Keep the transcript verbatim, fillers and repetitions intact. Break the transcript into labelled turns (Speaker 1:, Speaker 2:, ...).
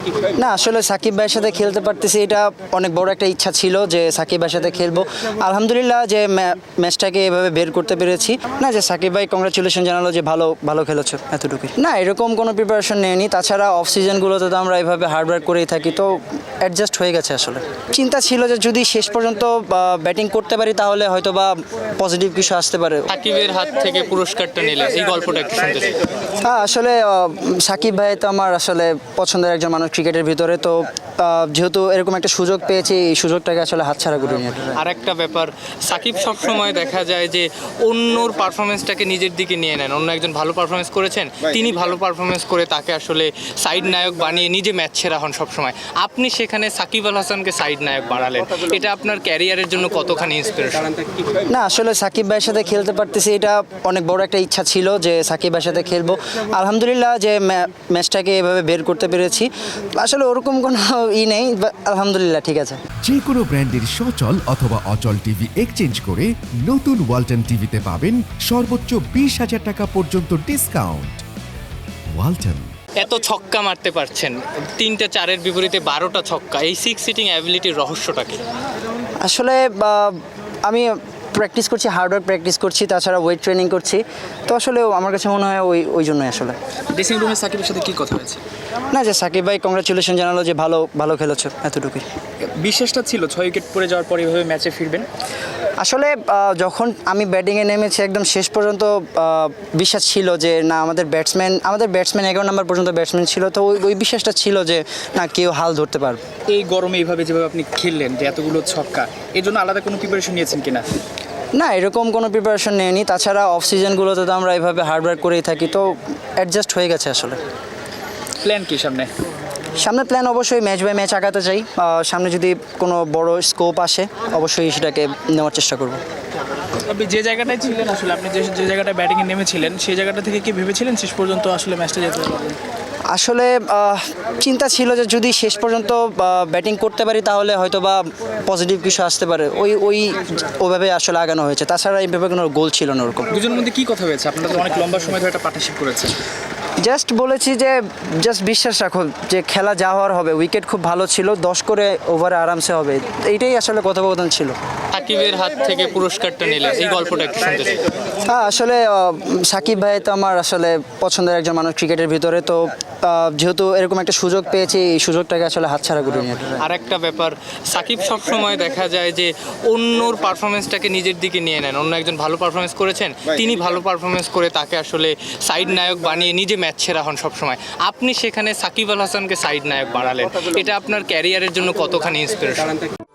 Speaker 1: না আসলে সাকিব ভাইয়ের সাথে খেলতে পারতেছি, এটা অনেক বড় একটা ইচ্ছা ছিল যে সাকিব ভাইয়ের সাথে খেলবো। আলহামদুলিল্লাহ যে ম্যাচটাকে এভাবে বের করতে পেরেছি। না যে সাকিব ভাই কংগ্রাচুলেশন জানালো যে ভালো ভালো খেলেছো, এতটুকুই। না এরকম কোনো প্রিপারেশন নেয়নি, তাছাড়া অফ সিজনগুলোতে তো আমরা এইভাবে হার্ডওয়ার্ক করেই থাকি, তো অ্যাডজাস্ট হয়ে গেছে। আসলে চিন্তা ছিল যে যদি শেষ পর্যন্ত ব্যাটিং করতে পারি তাহলে হয়তো বা পজিটিভ কিছু আসতে পারে।
Speaker 2: সাকিবের হাত থেকে পুরস্কারটা নিলে এই গল্পটা একটু শুনতে চাই।
Speaker 1: হ্যাঁ আসলে আহ, সাকিব ভাই তো আমার আসলে পছন্দের একজন মানুষ ক্রিকেটের ভিতরে, তো আহ, যেহেতু এরকম একটা সুযোগ পেয়েছি, এই সুযোগটাকে আসলে হাতছাড়া করিনি।
Speaker 2: আর একটা ব্যাপার, সাকিব সবসময় দেখা যায় যে অন্যর পারফরমেন্সটাকে নিজের দিকে নিয়ে নেন। অন্য একজন ভালো পারফরমেন্স করেছেন, তিনি ভালো পারফরমেন্স করে তাকে আসলে সাইড নায়ক বানিয়ে নিজে ম্যাচ সেরা হন সবসময়। আপনি সেখানে সাকিব আল হাসানকে সাইড নায়ক বানালেন, এটা আপনার ক্যারিয়ারের জন্য কতখানি ইন্সপিরেশন?
Speaker 1: না আসলে সাকিব ভাইয়ের সাথে খেলতে পারতেছি, এটা অনেক বড় একটা ইচ্ছা ছিল যে সাকিব ভাইয়ের সাথে খেলবো। আলহামদুলিল্লাহ যে ম্যাচটাকে এভাবে বের করতে পেরেছি। আসলে ওরকম কোনো ই নেই, আলহামদুলিল্লাহ ঠিক আছে।
Speaker 3: যে কোনো ব্র্যান্ডের সচল অথবা অচল টিভি এক্সচেঞ্জ করে নতুন ওয়ালটন টিভিতে পাবেন সর্বোচ্চ বিশ হাজার টাকা পর্যন্ত ডিসকাউন্ট। ওয়ালটন।
Speaker 2: এত ছক্কা মারতে পারছেন, তিনটা চারের বিপরীতে বারোটা ছক্কা, এই সিক্স সিটিং অ্যাবিলিটির রহস্যটা কি?
Speaker 1: আসলে আহ, আমি প্র্যাকটিস করছি, হার্ডওয়ার্ক প্র্যাকটিস করছি, তাছাড়া ওয়েট ট্রেনিং করছি, তো আসলে আমার কাছে মনে হয় ওই ওই জন্যই আসলে।
Speaker 4: ড্রেসিং রুমে সাকিবের সাথে কি কথা হয়েছে?
Speaker 1: না যে সাকিব ভাই কংগ্রাচুলেশন জানালো যে ভালো ভালো খেলেছো, এতটুকুই।
Speaker 4: বিশ্বাসটা ছিল ছয় উইকেট পড়ে যাওয়ার পর এভাবে ম্যাচে ফিরবেন?
Speaker 1: আসলে আহ, যখন আমি ব্যাটিংয়ে নেমেছি একদম শেষ পর্যন্ত আহ, বিশ্বাস ছিল যে না আমাদের ব্যাটসম্যান আমাদের ব্যাটসম্যান এগারো নম্বর পর্যন্ত ব্যাটসম্যান ছিল, তো ওই ওই বিশ্বাসটা ছিল যে না কেউ হাল ধরতে পারবে।
Speaker 4: এই গরমে এইভাবে যেভাবে আপনি খেললেন, যে এতগুলো ছক্কা, এর জন্য আলাদা কোনো প্রিপারেশন নিয়েছেন কিনা?
Speaker 1: না এরকম কোনো প্রিপারেশন নেয়নি, তাছাড়া অফ সিজনগুলোতে তো আমরা এইভাবে হার্ডওয়ার্ক করেই থাকি, তো অ্যাডজাস্ট হয়ে গেছে। আসলে
Speaker 4: প্ল্যান কি সামনে?
Speaker 1: সামনে প্ল্যান অবশ্যই ম্যাচ বাই ম্যাচ আগাতে চাই। আহ, সামনে যদি কোনো বড় স্কোপ আসে অবশ্যই সেটাকে নেওয়ার চেষ্টা করব।
Speaker 5: আপনি যে জায়গাটায় ছিলেন, আসলে আপনি যে যে জায়গাটায় ব্যাটিংয়ে নেমেছিলেন সেই জায়গাটা থেকে কি ভেবেছিলেন শেষ পর্যন্ত আসলে ম্যাচটা যেতে পারবেন?
Speaker 1: আসলে আহ, চিন্তা ছিল যে যদি শেষ পর্যন্ত ব্যাটিং করতে পারি তাহলে হয়তো বা পজিটিভ কিছু আসতে পারে, ওই ওই ওভাবে আসলে আগানো হয়েছে। তাছাড়া এইভাবে কোনো গোল ছিল না ওরকম।
Speaker 4: দুজনের মধ্যে কি কথা হয়েছে? আপনারা তো অনেক লম্বা সময় ধরে একটা পার্টনারশিপ করেছেন।
Speaker 1: জাস্ট বলেছি যে জাস্ট বিশ্বাস রাখো যে খেলা যা হওয়ার হবে, উইকেট খুব ভালো ছিল, দশ করে ওভারে আরামসে হবে, এইটাই আসলে কথোপকথন ছিল।
Speaker 2: সাকিবের হাত থেকে পুরস্কারটা নিলে এই গল্পটা একটু শুনতে চাই।
Speaker 1: হ্যাঁ আসলে আহ, সাকিব ভাই তো আমার আসলে পছন্দের একজন মানুষ ক্রিকেটের ভিতরে, তো আহ, যেহেতু এরকম একটা সুযোগ পেয়েছি, এই সুযোগটাকে আসলে হাতছাড়া করিনি।
Speaker 2: আর একটা ব্যাপার, সাকিব সবসময় দেখা যায় যে অন্যর পারফরমেন্সটাকে নিজের দিকে নিয়ে নেন। অন্য একজন ভালো পারফরমেন্স করেছেন, তিনি ভালো পারফরমেন্স করে তাকে আসলে সাইড নায়ক বানিয়ে নিজে ম্যাচ সেরা হন সবসময়। আপনি সেখানে সাকিব আল হাসানকে সাইড নায়ক বানালেন, এটা আপনার ক্যারিয়ারের জন্য কতখানি ইন্সপিরেশন?